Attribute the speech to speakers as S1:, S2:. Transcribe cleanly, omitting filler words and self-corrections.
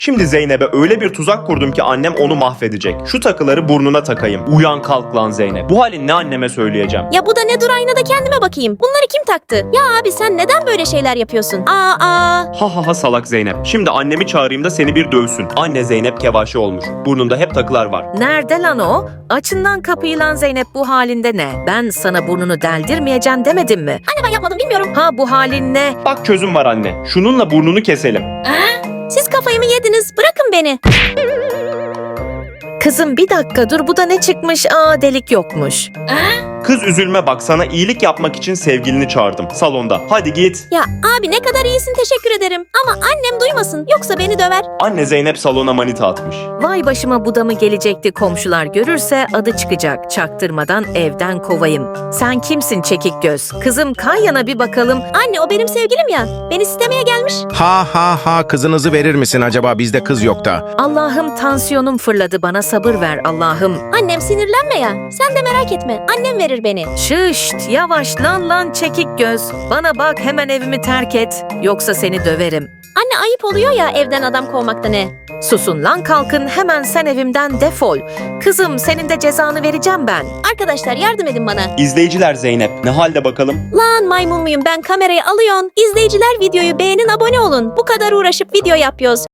S1: Şimdi Zeynep'e öyle bir tuzak kurdum ki annem onu mahvedecek. Şu takıları burnuna takayım. Uyan kalk lan Zeynep. Bu halin ne anneme söyleyeceğim.
S2: Ya bu da ne, dur aynada kendime bakayım. Bunları kim taktı? Ya abi sen neden böyle şeyler yapıyorsun?
S1: Ha ha ha salak Zeynep. Şimdi annemi çağırayım da seni bir dövsün. Anne Zeynep kevaşe olmuş. Burnunda hep takılar var.
S3: Nerede lan o? Açından kapıyı lan Zeynep, bu halinde ne? Ben sana burnunu deldirmeyeceğim demedim mi?
S2: Anne ben yapmadım, bilmiyorum.
S3: Ha bu halin ne?
S1: Bak çözüm var anne. Şununla burnunu keselim.
S2: Siz kafayı mı yediniz? Bırakın beni.
S3: Kızım bir dakika dur, bu da ne çıkmış? Aa, delik yokmuş.
S1: Kız üzülme bak, sana iyilik yapmak için sevgilini çağırdım salonda. Hadi git.
S2: Ya abi ne kadar iyisin, teşekkür ederim. Ama annem duymasın, yoksa beni döver.
S1: Anne Zeynep salona manita atmış.
S3: Vay başıma, bu da mı gelecekti, komşular görürse adı çıkacak. Çaktırmadan evden kovayım. Sen kimsin çekik göz? Kızım kay yana bir bakalım.
S2: Anne o benim sevgilim ya. Beni istemeye gelmiş.
S4: Ha ha ha, kızınızı verir misin acaba, bizde kız yok da.
S3: Allah'ım tansiyonum fırladı, bana sabır ver Allah'ım.
S2: Annem sinirlenme ya. Sen de merak etme. Annem verir beni.
S3: Şışt, yavaş lan çekik göz. Bana bak, hemen evimi terk et. Yoksa seni döverim.
S2: Anne ayıp oluyor ya evden adam kovmakta ne?
S3: Susun lan, kalkın hemen, sen evimden defol. Kızım senin de cezanı vereceğim ben.
S2: Arkadaşlar yardım edin bana.
S1: İzleyiciler Zeynep ne halde bakalım?
S2: Lan maymun muyum ben, kamerayı alıyorsun. İzleyiciler videoyu beğenin, abone olun. Bu kadar uğraşıp video yapıyoruz.